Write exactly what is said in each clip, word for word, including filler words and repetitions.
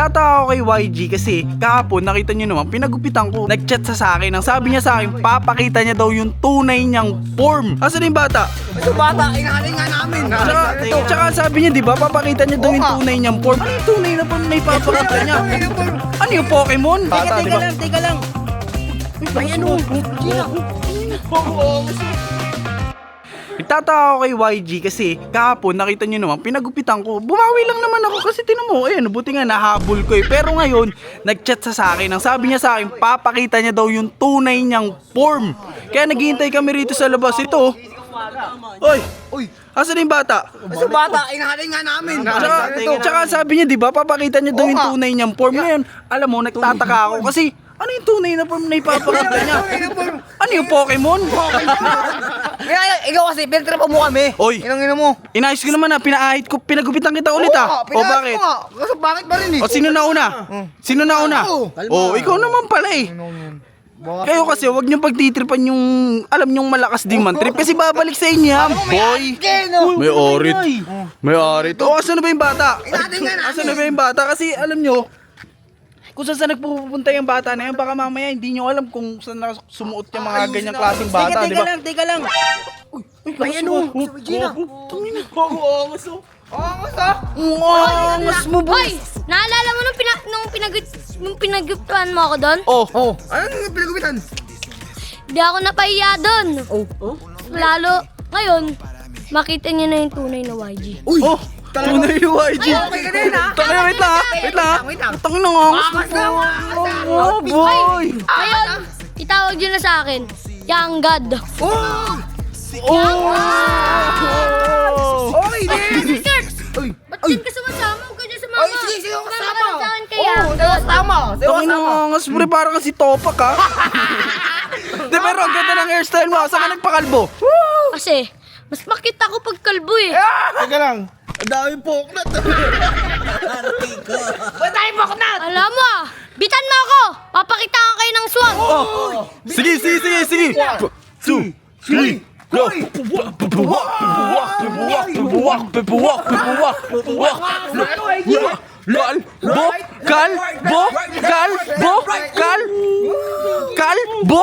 Nagtataka ako kay Y G kasi kahapon nakita nyo naman pinagupitan ko. Nag-chat sa sa akin. Ang sabi niya sa akin, papakita niya daw yung tunay niyang form. Asan yung bata? Ito bata, inahalin nga namin. Tsaka, tsaka sabi niya, di ba, papakita niya daw yung tunay niyang form. Ano yung tunay na form na ipapakita niya? Ano yung Pokemon? Bata, di ba? lang, teka lang. Ay, ano? Gina. Nagtataka ako kay Y G kasi kahapon nakita nyo naman pinagupitan ko. Bumawi lang naman ako kasi tinan mo, ayun, buti nga nahabol ko eh. Pero ngayon, nag-chat sa sa akin. Ang sabi niya sa akin, papakita niya daw yung tunay niyang form. Kaya naghihintay kami rito sa labas. Ito. Oy, Uy, asan yung bata? ito bata, inahalin nga namin. Tsaka, tsaka sabi niya, di ba, papakita niya daw yung tunay niyang form. Ngayon, alam mo, nagtataka ako kasi ano yung tunay na form na ipapakita niya? Ano yung Pokemon? Kaya, ikaw kasi, pinagtrapa mo kami. Oy. Inang ina mo. Inayos ko naman na, pinaahit ko, pinagupitan kita ulit ah. O bakit? Kasi bakit ba rin eh? O sino na una? Sino na una? O ikaw naman pala eh. Kayo kasi wag niyo pagtitripan yung alam niyong malakas ding man trip kasi babalik sa inyo yan, boy. May orit. May orit. O asan na ba yung bata? Asan na ba yung bata? Kasi alam niyo kung saan saan nagpupunta yung bata na yan, baka mamaya hindi nyo alam kung saan na sumuot yung mga ganyang klaseng bata, di ba? Teka lang, teka lang. Uy, ay ano? Gina. Tangina. Angas oh. Angas ah. Angas mo, boy. Hoy! Naalala mo nung, pina, nung, pinag, nung pinaguptan mo ako doon? Oh. Oh, anong pinagupitan? Di ako napahiya doon. Oh, oh. Lalo, ngayon, makita niyo na yung tunay na Y G. Uy. Oh. Tunay yung Y G. Okay ka din ha? Tangina, wait lang ah. Wait lang ah. Wait lang. Tangina ng angas mo. Angas na, angas na. Oh, boy. Ngayon, itawag niyo na sa akin, Young God. Oh! Oh. Okay din! Uy! Ba't din ka sumasama? Huwag ka dyan sumama. Ay, sige, sige, ako kasama. Sumama ka sa akin kaya. Oo, sige, ako kasama. Sige, ako Tangina kasama. ng angas, pre. Parang kasi topak ah. Di, pero ang ganda ng hairstyle mo. Saan ka nagpakalbo? Kasi, mas makita ko pag kalbo eh. Teka lang. Ang dami poknat. Ba't tayo baknat? Alam mo ah, bitan mo ako. Papakitaan kayo ng swag. Oh. Sige, sige, sige, sige. Two, three, go. Pibuwak, pibuwak, pibuwak, pibuwak, pibuwak, pibuwak, pibuwak. Kalbo, kalbo, kalbo, kal, kalbo.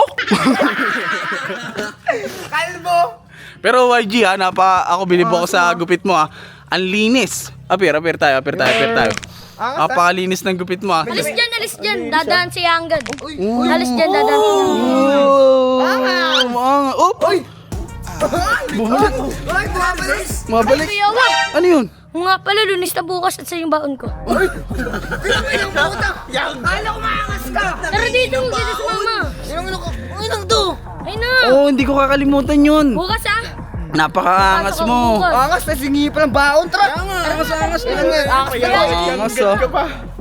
Kalbo! Pero Y G ha, napa, ako bilib ako sa gupit mo ha. Ang linis. Apir, apir tayo, apir tayo, apir tayo. Napakalinis ng gupit mo ha. Alis dyan, alis dyan. Dadaan si Young God. Alis dyan, dadaan si Young God. Oh, mga, op, ay, bumalik. Ay, bumabalik! Mabalik. Kuya, wag. Ano yun? Oo nga pala, lunis na bukas at sa yung baon ko. Pinang puta! Kala ko maangas ka! Tara dito, dito sa mama. Inang ino ko! Inang to! Ay na. Oh, hindi ko kakalimutan yun. Bukas ah. Napakaangas Pasok ako mo. bukas. Angas na singi pa ng baon, tra! Angas, angas! Angas, angas! Angas oh.